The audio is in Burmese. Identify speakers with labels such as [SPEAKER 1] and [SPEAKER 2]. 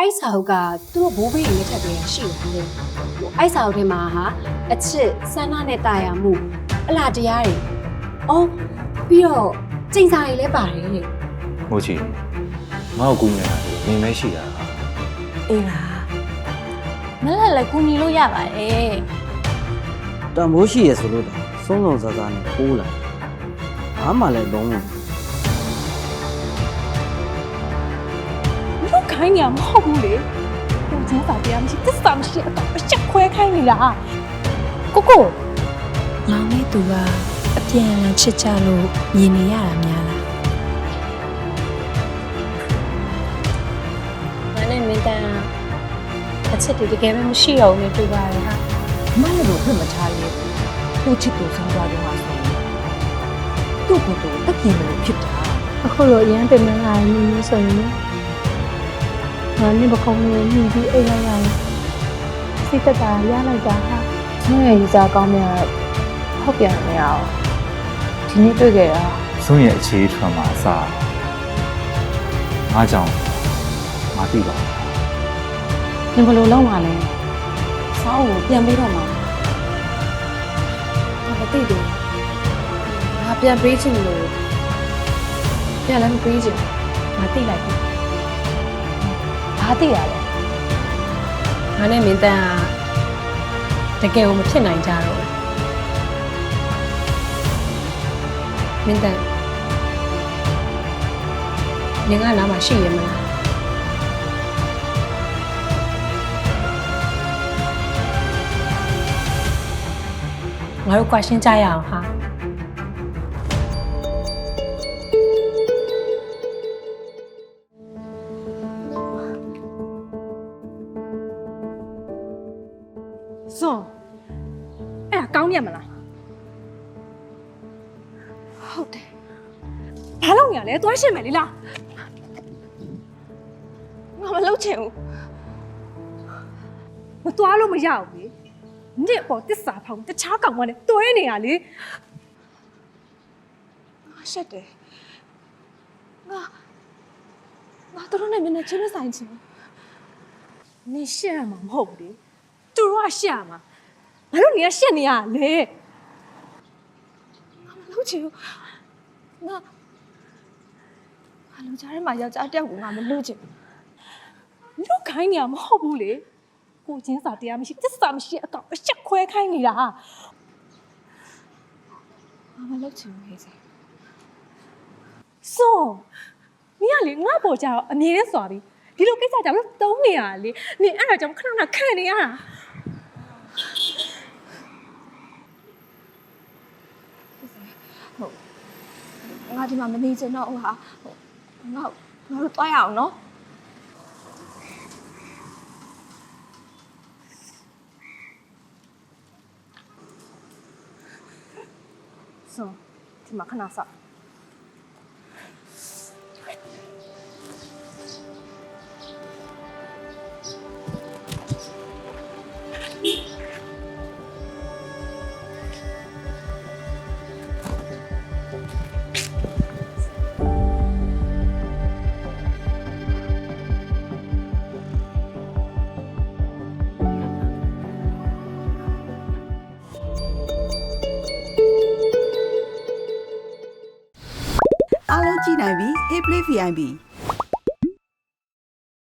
[SPEAKER 1] အဲ့စာအုပ်ကသူတို့ဘိုးဘေးတွေလက်ထက်ကလေးရှိတယ်လေအဲ့စာအုပ်ထဲမှာဟာအချစ်ဆန္ဒနဲ့တာယာမှုအလားတရားတွေအော်ပြီးတော့ကျင့်စာတွေလည်းပါတယ်လေ
[SPEAKER 2] မို့ချီငါ့ကိုကူနေတာနေမဲရှိတာ
[SPEAKER 1] အေးလား
[SPEAKER 3] မလက်လည်းကူညီလို့ရပါတယ်
[SPEAKER 4] တန်ဖိုးရှိရဆိုလို့ဆုံးဆုံးစားစားနဲ့ပိုးလာဘာမှလည်းလုံးဝ
[SPEAKER 3] လူခိုင်းနေမှာမဟုတ်ဘူးလေကိုကျင်းစာတရားမရှိသစ္စာမရှိအတော့အချက်ခွဲခိုင်းနေတာကိုကို
[SPEAKER 5] ငေါင်းနေသူကအပြန်အလှန်ချစ်ကြလို့မြင်နေရတာများလား
[SPEAKER 3] ငါနဲ့မင်းတန်းအချက်တွေတကယ်ပဲမရှိတော့ဘူးလေတွေ့ပါရဲ့ဟာ
[SPEAKER 6] မလည်းတော့ဖွင့်မထားလေသူ့ချစ်သူဆုံးသွားတယ်မှာဆိုရင်သူ့ကိုယ်တော့တက်ပြင်းမလို့ဖြစ်တာ
[SPEAKER 3] အခုလိုအရန်ပင်မလာနေလို့ဆိုရင်ငါနဲ့ပကုံးလေးညီပြီးအိတ်လိုက်ရရင်စိတ်သက်သာရလိုက်တာဟာ
[SPEAKER 6] ဆွမ်းရည်စားကောင်းမြတ်ဟုတ်ပြန်မရအောင်ဒီနေ့တွေ့ခဲ့တာ
[SPEAKER 2] စွန့်ရဲ့အခြေထွန်းမှာအစားငါကြောင့်ငါသိပါ
[SPEAKER 6] နင်ဘယ်လိုလုပ်မှာလဲစောင်းကိုပြန်ပေးတော့မှာ
[SPEAKER 1] မသိဘူးငါပြန်ပေးချင်လို့ပြန်လည်းမပေးချင်ငါသိလိုက်ပြီ
[SPEAKER 6] ဘာသိရလဲ
[SPEAKER 1] ငါနဲ့မင်းတန်းကတကယ်ကိုမဖြစ်နိုင်ကြတော့မင်းတန်းငါကနားမှာရှိရမလားငါတို့ကွာရှင်းကြရအောင်ဟာ
[SPEAKER 3] စွန်အဲ့ဒါကောင်းမြတ်မလားဟုတ်တယ်ဘာလုပ်နေရလဲသွားရှင်းမယ်လေလားငါမလုပ်ချင်ဘူးမသွားလို့မရဘူးလေနေ့အပေါ်တစ္ဆာဖောင်တခြားကောင်မနဲ့တွဲနေရလေငါရှက်တယ်ငါတို့နဲ့မျက်နှာချင်းမဆိုင်ချင်နင်ရှက်ရမှာမဟုတ်ဘူးလေသူတို့ကရှက်ရမှာငါတို့နေရရှက်နေရလေငါမလုပ်ချင်ဘူးငါလူကြားထဲမှာယောက်ျားတစ်ယောက်ကိုငါမလုပ်ချင်ဘူးလူခိုင်းနေရမဟုတ်ဘူးလေကိုချင်းစာတရားမရှိသစ္စာမရှိအကောင်အချက်ခွဲခိုင်းနေတာငါမလုပ်ချင်ဘူးဟဲ့စေဆိုမင်းကလေငါ့ပေါ်ကြတော့အမြင်နဲ့စွာပြီဒီလိုကိစ္စကြောင့်တုံးနေရလေနင်အဲ့ဒါကြောင့်ခဏခဏခံနေရတာငါဒီမှာမနေချင်တော့ဘူးဟာငါတို့တွားရအောင်နော်ဆိုဒီမှာခဏစောင့်
[SPEAKER 7] အားလုံးကြည့်နိုင်ပြီ Hey Play VIP